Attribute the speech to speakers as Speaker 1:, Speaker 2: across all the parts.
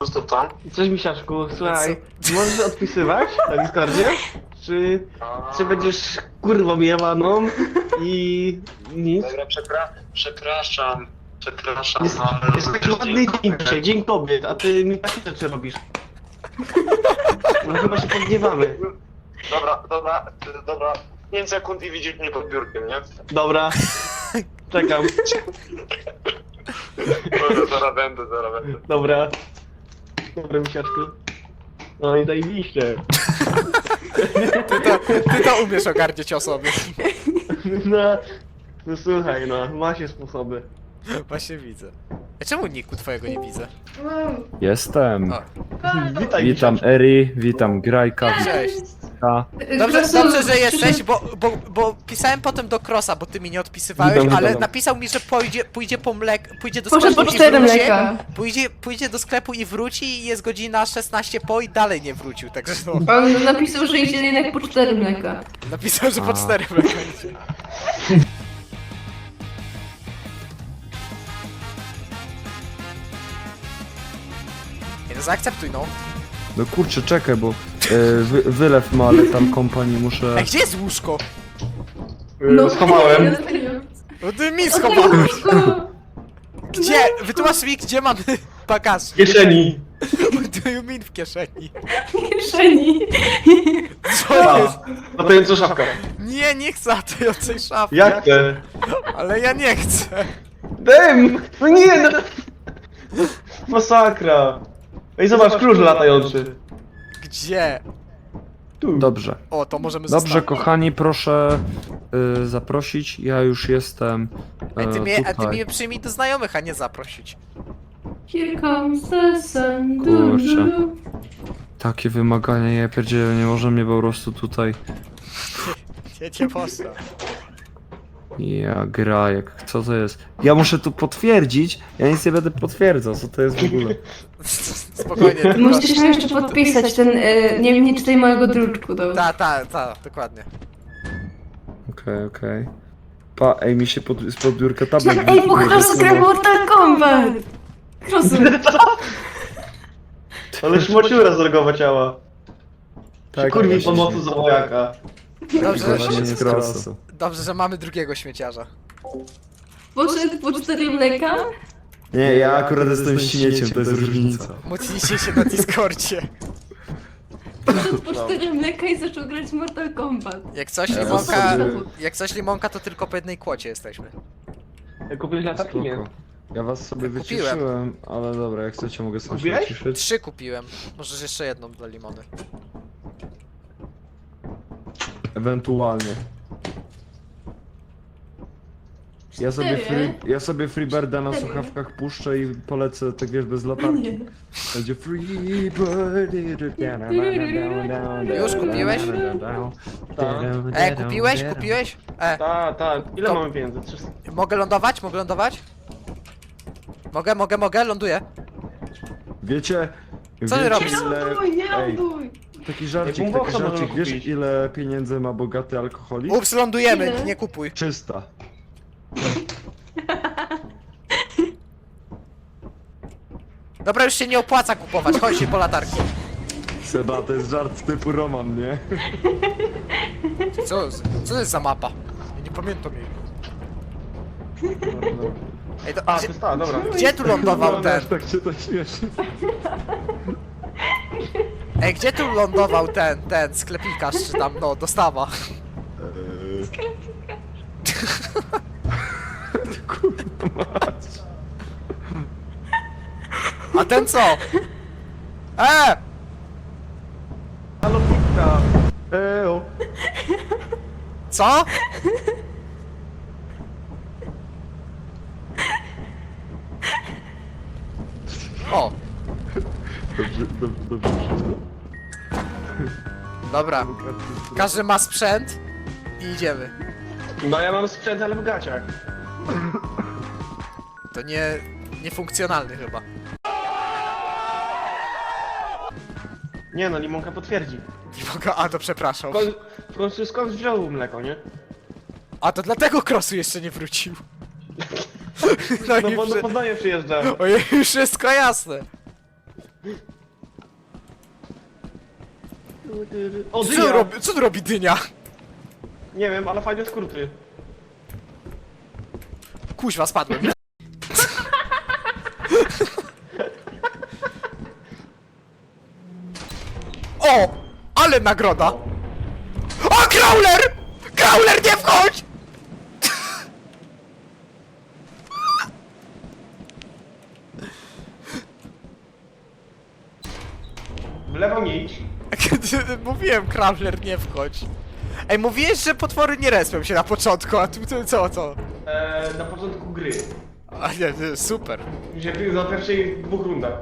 Speaker 1: prostu tam.
Speaker 2: Cześć Misiaczku, słuchaj, możesz odpisywać na Discordzie? Czy będziesz kurwą jebaną i nic?
Speaker 1: Dobra, przepraszam,
Speaker 2: Jest taki ładny dzień dzisiaj, dzień kobiet, a ty mi takie rzeczy robisz. No chyba się podgniewamy.
Speaker 1: Dobra. 5 sekund i widzisz mnie pod biurkiem, nie?
Speaker 2: Dobra, czekam,
Speaker 1: Dobra, zaraz będę.
Speaker 2: dobra. Dobra Misiaczku. No i zajebiście.
Speaker 3: Ty to umiesz ogarniać o sobie.
Speaker 2: No słuchaj, no, ma się sposoby.
Speaker 3: Właśnie widzę. A czemu niku twojego nie widzę?
Speaker 4: Jestem.
Speaker 3: O.
Speaker 2: Witaj
Speaker 4: Witam
Speaker 2: Misiaczku.
Speaker 4: Eri, witam Grajka,
Speaker 3: Cześć.
Speaker 4: witam.
Speaker 3: Dobrze, że jesteś, bo pisałem potem do Krosa, bo ty mi nie odpisywałeś,
Speaker 2: Witam.
Speaker 3: ale napisał mi, że pójdzie po pójdzie do
Speaker 5: Poszedł
Speaker 3: sklepu
Speaker 5: po
Speaker 3: i
Speaker 5: 4
Speaker 3: wróci.
Speaker 5: mleka.
Speaker 3: Pójdzie do sklepu i wróci i jest godzina 16 po i dalej nie wrócił, także no.
Speaker 5: On napisał, że idzie jednak po 4 mleka.
Speaker 3: Napisał, że po
Speaker 4: A.
Speaker 3: 4 mleka idzie. Nie no, zaakceptuj no.
Speaker 4: No kurczę, czekaj, bo wylew ma, ale tam kompanii muszę...
Speaker 3: Ej, gdzie jest łóżko?
Speaker 2: Schowałem.
Speaker 3: No ty mi schowałeś. Gdzie? Wytłumacz mi, gdzie mamy bagaż.
Speaker 2: W kieszeni.
Speaker 3: What do you mean w kieszeni?
Speaker 5: Kieszeni.
Speaker 3: Co jest?
Speaker 2: No to jest co szafka.
Speaker 3: Nie chcę latającej szafy.
Speaker 2: Jak te?
Speaker 3: Ale ja nie chcę.
Speaker 2: Dem! No nie no! Masakra! Ej, zobacz, klucz latający.
Speaker 3: Gdzie?
Speaker 2: Tu.
Speaker 4: Dobrze.
Speaker 3: O, to możemy
Speaker 4: Dobrze,
Speaker 3: zostawić.
Speaker 4: kochani, proszę zaprosić. Ja już jestem
Speaker 3: Ej, ty
Speaker 4: tutaj.
Speaker 3: mnie przyjmij do znajomych, a nie zaprosić.
Speaker 5: Here comes the sun.
Speaker 4: Kurczę. Takie wymagania, ja pierdzielę, nie może mnie po prostu tutaj...
Speaker 3: Nie poszło.
Speaker 4: Ja Grajek, co to jest? Ja muszę tu potwierdzić, ja nic nie będę potwierdzał, co to jest w ogóle.
Speaker 3: Spokojnie, tylko...
Speaker 5: Musisz nam jeszcze podpisać ten, nie czytaj mojego druczku, dobra.
Speaker 3: Ta, dokładnie.
Speaker 4: Okej. Ej, mi się spod biurka tablet
Speaker 5: Ej, bo Cross gra
Speaker 4: wysunął.
Speaker 5: Mortal Kombat! Cross,
Speaker 2: Ale szmociura zrogowa ciała.
Speaker 4: Tak,
Speaker 2: Kurwi
Speaker 4: właśnie.
Speaker 2: pomocy za wojaka.
Speaker 4: Właśnie nie
Speaker 3: Dobrze,
Speaker 4: z krosu.
Speaker 3: dobrze, że mamy drugiego śmieciarza.
Speaker 5: poszedł po 4 mleka?
Speaker 4: Nie, ja akurat jestem śmieciem, to jest różnica.
Speaker 3: Mocnijcie się na Discordzie.
Speaker 5: Poszedł po 4 mleka i zaczął grać Mortal Kombat.
Speaker 3: Jak coś limonka, to tylko po jednej kłocie jesteśmy.
Speaker 2: Kupiłeś latarki? Nie.
Speaker 4: Spoko. Ja was sobie
Speaker 3: Kupiłem.
Speaker 4: wyciszyłem, ale dobra, jak chcecie mogę sobie
Speaker 2: Kupiłeś?
Speaker 4: wyciszyć.
Speaker 3: 3 kupiłem. Możesz jeszcze jedną dla limony.
Speaker 4: Ewentualnie. Ja sobie Freebirda na słuchawkach puszczę i polecę, tak wiesz, bez latarki. Będzie Freebird.
Speaker 3: Już kupiłeś? Kupiłeś?
Speaker 2: Tak. Ile
Speaker 3: To-
Speaker 2: mamy pieniędzy? 300.
Speaker 3: Mogę lądować? Mogę, ląduję.
Speaker 4: Wiecie,
Speaker 3: Co ty
Speaker 4: wiecie
Speaker 3: robisz?
Speaker 4: ile... Ej, taki żarcik,
Speaker 2: boxa możemy
Speaker 4: wiesz
Speaker 2: kupić.
Speaker 4: ile pieniędzy ma bogaty alkoholik?
Speaker 3: Ups, lądujemy,
Speaker 5: Ile?
Speaker 3: nie kupuj.
Speaker 4: 300.
Speaker 3: Dobra, już się nie opłaca kupować, chodź się po latarki.
Speaker 4: Seba, to jest żart typu Roman, nie?
Speaker 3: Co to jest za mapa? Ja nie pamiętam jej. Ej, to,
Speaker 2: A, to
Speaker 3: gdzie,
Speaker 2: jest ta, dobra.
Speaker 3: gdzie tu lądował ten?
Speaker 4: Tak się to śmieszy.
Speaker 3: Ej, gdzie tu lądował ten sklepikarz, czy tam, no, dostawa? A ten co?
Speaker 2: Halo, pizza. Eo.
Speaker 3: Co? O,
Speaker 4: Dobrze wszystko.
Speaker 3: dobra. Każdy ma sprzęt i idziemy.
Speaker 2: No ja mam sprzęt, ale w gaciach.
Speaker 3: To niefunkcjonalny chyba.
Speaker 2: Nie no, limonka potwierdzi.
Speaker 3: Nie mogę, a to przepraszam.
Speaker 2: W końcu skąd wziął mleko, nie?
Speaker 3: A to dlatego Crossu jeszcze nie wrócił.
Speaker 2: No
Speaker 3: i
Speaker 2: bo
Speaker 3: wszy-
Speaker 2: do Poznania przyjeżdża.
Speaker 3: Ojej, już wszystko jasne.
Speaker 2: O,
Speaker 3: Co
Speaker 2: dynia!
Speaker 3: robi, co tu robi dynia?
Speaker 2: Nie wiem, ale fajne skróty.
Speaker 3: Kuźwa, spadłem. O! Ale nagroda! O, Crawler! Crawler, nie wchodź!
Speaker 2: W lewo nie idź.
Speaker 3: Mówiłem, Crawler, nie wchodź. Ej, mówiłeś, że potwory nie respią się na początku, a tu co?
Speaker 2: Na początku gry.
Speaker 3: A nie, super.
Speaker 2: Się za pierwszej 2 rundach.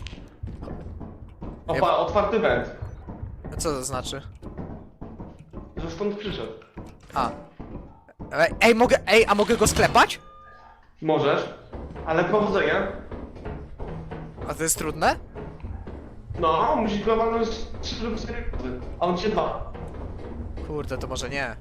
Speaker 2: Otwarty węd.
Speaker 3: A co to znaczy?
Speaker 2: Że stąd przyszedł.
Speaker 3: A. Ej, a mogę go sklepać?
Speaker 2: Możesz, ale powodzenia.
Speaker 3: A to jest trudne?
Speaker 2: No, musisz go walnąć 3 lub 4 razy, a on cię 2.
Speaker 3: Kurde, to może nie.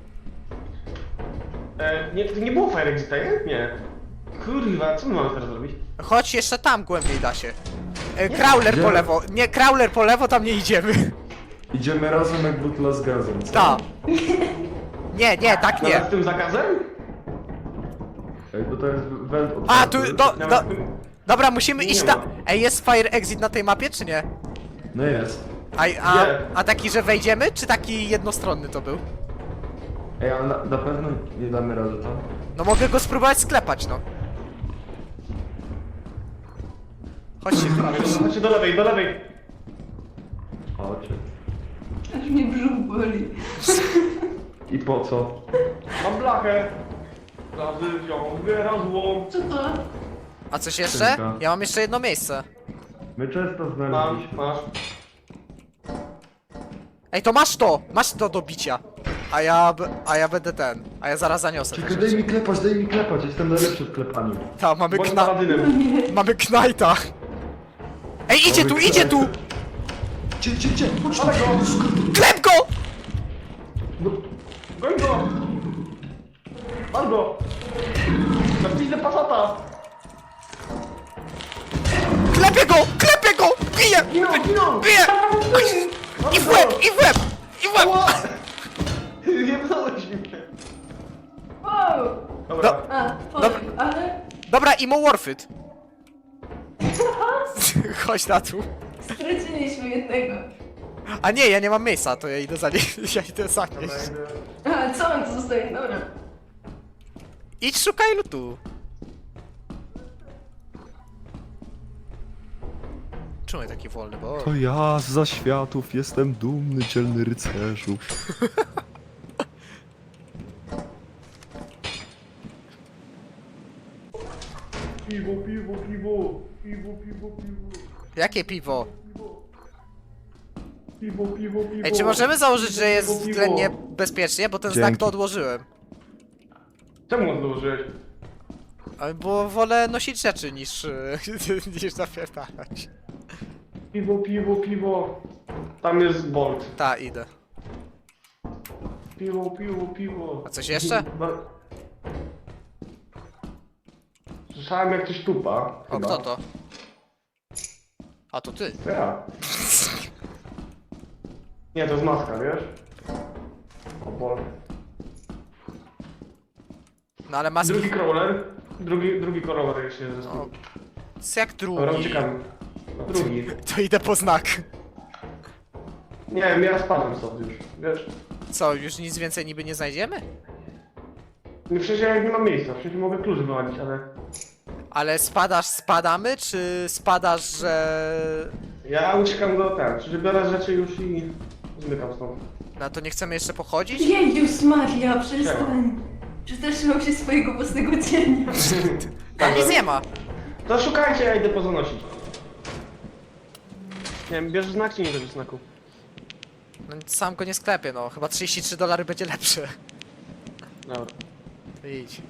Speaker 2: Nie, to nie było Fire Exita, nie? Nie. Kurwa, co my mamy teraz zrobić?
Speaker 3: Chodź jeszcze tam głębiej da się. Crawler po lewo. Nie, Crawler po lewo, tam nie idziemy.
Speaker 4: Idziemy razem jak butla z gazem, co?
Speaker 3: Ta. Nie, tak
Speaker 2: Nawet
Speaker 3: nie.
Speaker 2: z tym zakazem?
Speaker 4: Ej, bo to jest węd otwarty.
Speaker 3: A, tu,
Speaker 2: Nawet z tym...
Speaker 3: dobra, musimy
Speaker 2: Nie
Speaker 3: iść
Speaker 2: ma.
Speaker 3: tam. Ej, jest Fire Exit na tej mapie, czy nie?
Speaker 4: No jest.
Speaker 3: A taki, że wejdziemy, czy taki jednostronny to był?
Speaker 4: Ej, ale na pewno nie damy rady tam.
Speaker 3: No mogę go spróbować sklepać, no. Chodźcie,
Speaker 2: Chodźcie do lewej, do lewej.
Speaker 4: Chodźcie.
Speaker 5: Aż mnie brzuch boli.
Speaker 4: I po co?
Speaker 2: Mam blachę. Razy wziął, wyrazło.
Speaker 5: Co to?
Speaker 3: A coś jeszcze?
Speaker 4: Skrzynka.
Speaker 3: Ja mam jeszcze jedno miejsce.
Speaker 4: My często
Speaker 2: Mam,
Speaker 4: znaleźliśmy.
Speaker 2: masz.
Speaker 3: Ej, to masz to do bicia. A ja będę ten. A ja zaraz zaniosę te
Speaker 4: Czekaj,
Speaker 3: rzeczy.
Speaker 4: daj mi klepać, jestem najlepszy w klepaniu.
Speaker 3: Ta, mamy
Speaker 2: Bądź paladynem.
Speaker 3: Mamy Knajta. Ej, idzie tu, idzie tu!
Speaker 4: Cie, chodź
Speaker 2: Ale go!
Speaker 3: Klep go!
Speaker 2: Goń go! Mam go! Na pizdę pasata!
Speaker 3: Klepię go! Biję!
Speaker 2: Ginął!
Speaker 3: Biję! I w łeb!
Speaker 2: Ała! Jebnąłeś mnie!
Speaker 5: Wow!
Speaker 2: Dobra.
Speaker 5: A, powiem, ale
Speaker 3: Dobra, imo worth it. Chodź na tu.
Speaker 5: straciliśmy jednego.
Speaker 3: A nie, ja nie mam miejsca, to ja idę ja idę zanieść.
Speaker 5: A, co on tu zostaje? Dobra.
Speaker 3: Idź szukaj lutu. Czemu ja taki wolny, bo...
Speaker 4: To ja z zaświatów jestem dumny, dzielny rycerzu.
Speaker 2: Piwo.
Speaker 3: Jakie piwo?
Speaker 2: Piwo.
Speaker 3: Ej, czy możemy założyć, że jest
Speaker 2: Piwo.
Speaker 3: względnie bezpiecznie, bo ten znak
Speaker 4: Dzięki.
Speaker 3: to odłożyłem.
Speaker 2: Czemu odłożyłeś?
Speaker 3: Bo wolę nosić rzeczy niż zapierdalać.
Speaker 2: Piwo. Tam jest Bolt.
Speaker 3: Ta, idę.
Speaker 2: Piwo.
Speaker 3: A coś jeszcze?
Speaker 2: Słyszałem jak ktoś tupa.
Speaker 3: O,
Speaker 2: chyba.
Speaker 3: kto to? A, to ty.
Speaker 2: To ja. Nie, to jest maska, wiesz? O Bolt.
Speaker 3: No ale maski...
Speaker 2: Drugi crawler. Drugi crawler jeszcze jest.
Speaker 3: O, jest jak
Speaker 2: Dobra,
Speaker 3: drugi.
Speaker 2: uciekamy. Drugi.
Speaker 3: To idę po znak.
Speaker 2: Nie wiem, ja spadłem stąd już, wiesz?
Speaker 3: Co, już nic więcej niby nie znajdziemy?
Speaker 2: Nie, przecież ja nie mam miejsca, przecież mogę klucz wyłanić, ale...
Speaker 3: Ale spadamy, czy spadasz, że...
Speaker 2: Ja uciekam do przecież biorę rzeczy już i... zmykam stąd.
Speaker 3: No to nie chcemy jeszcze pochodzić?
Speaker 5: Jezus Maria, przestań. Przestraszyłam się swojego własnego cienia.
Speaker 3: Tam nic nie ma.
Speaker 2: To szukajcie, ja idę pozanosić. Nie wiem, bierzesz znak czy nie bierzesz znaku?
Speaker 3: No sam go nie sklepię, no. Chyba $33 będzie lepsze.
Speaker 2: Dobra.
Speaker 3: Idź.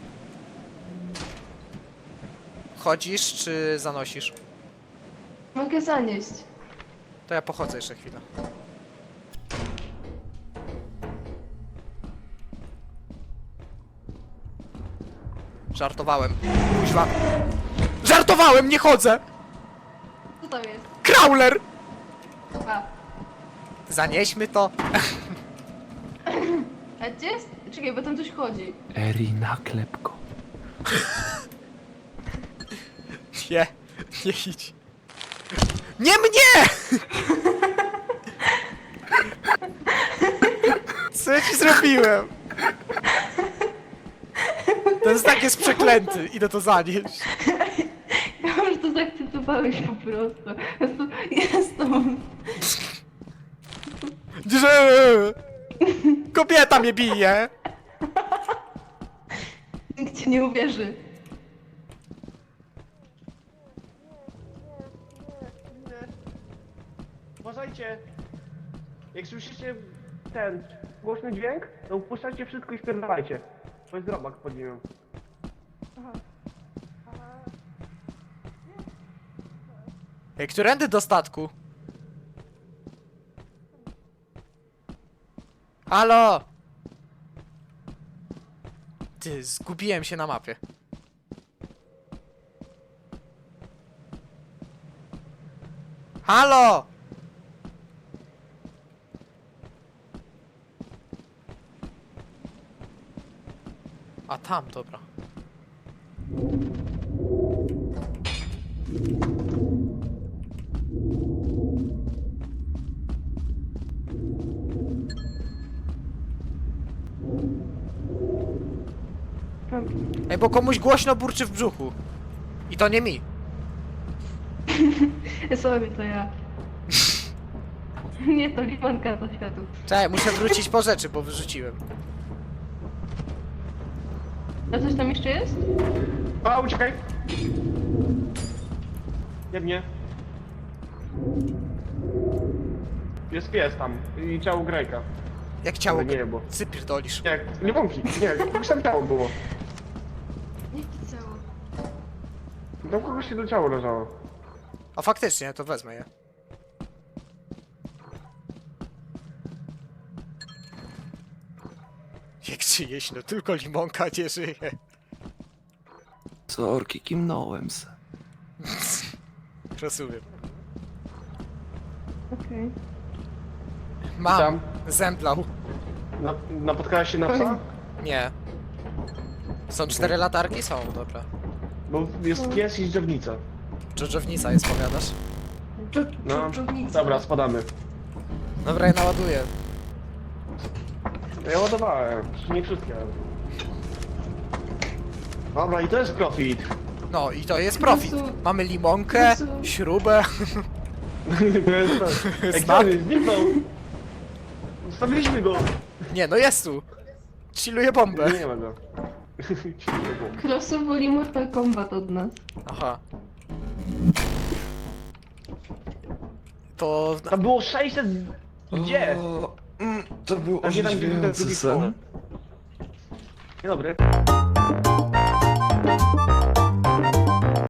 Speaker 3: Chodzisz, czy zanosisz?
Speaker 5: Mogę zanieść.
Speaker 3: To ja pochodzę jeszcze chwilę. Żartowałem. Kuźwa. Żartowałem, nie chodzę!
Speaker 5: Co tam jest?
Speaker 3: Crawler!
Speaker 5: A,
Speaker 3: Zanieśmy to.
Speaker 5: a gdzie jest? Czekaj, bo tam coś chodzi.
Speaker 4: Eri, naklep go.
Speaker 3: Nie, nie idź. Nie mnie! Co ja ci zrobiłem? Ten znak jest przeklęty, idę to zanieść.
Speaker 5: Ja już to zaakceptowałeś po prostu. Jest to...
Speaker 3: Że... Kobieta mnie bije!
Speaker 5: Nikt ci nie uwierzy.
Speaker 2: Uważajcie! Jak słyszycie ten głośny dźwięk, to upuszczajcie wszystko i spierdalajcie. To jest robak pod nim.
Speaker 3: Ej, którędy do statku? Halo! Ty, zgubiłem się na mapie. Halo! A tam, dobra. Ej, bo komuś głośno burczy w brzuchu. I to nie mi.
Speaker 5: Sobie to ja. Nie, to limonka do światu.
Speaker 3: Czekaj, muszę wrócić po rzeczy, bo wyrzuciłem.
Speaker 5: A coś tam jeszcze jest?
Speaker 2: A, uciekaj! Nie mnie. Jest pies tam i ciało Grejka.
Speaker 3: Jak ciało...
Speaker 2: Ale nie, bo...
Speaker 3: Cypierdolisz.
Speaker 2: Nie, nie wątpi, nie, kogoś tam ciało było.
Speaker 5: Jakie ciało?
Speaker 2: Tam kogoś się do ciało leżało.
Speaker 3: A faktycznie, to wezmę je. Jak czyjeś, no tylko limonka nie żyje.
Speaker 4: Sorki, kimnąłem se.
Speaker 3: Rozumiem.
Speaker 5: Okej.
Speaker 3: Mam.
Speaker 2: Tam.
Speaker 3: Zemdlał.
Speaker 2: Napotkałeś się na psa?
Speaker 3: Nie. Są 4 latarki? Są, dobra.
Speaker 2: Bo jest pies i drzewnica.
Speaker 3: Dżdżownica jest, powiadasz?
Speaker 2: No,
Speaker 5: Dżdżownica.
Speaker 2: dobra, spadamy.
Speaker 3: Dobra, ja naładuję.
Speaker 2: Ja ładowałem, nie wszystkie. Dobra, i to jest profit.
Speaker 3: No i to jest profit.
Speaker 5: Jezu.
Speaker 3: Mamy limonkę,
Speaker 5: Jezu.
Speaker 3: śrubę.
Speaker 2: To jest profit. Ej,
Speaker 3: Znak.
Speaker 2: gdzie zniknął? Zostawiliśmy go.
Speaker 3: Nie, no jest tu. Chilluję bombę.
Speaker 2: Nie ma go.
Speaker 5: Krosu woli Mortal Kombat od nas.
Speaker 3: Aha. To...
Speaker 2: Tam było 600... Gdzie?
Speaker 4: To był
Speaker 2: A gdzie tam, gdzie ten
Speaker 4: orzeźwiający
Speaker 2: drugi
Speaker 4: sen.
Speaker 2: Dzień dobry.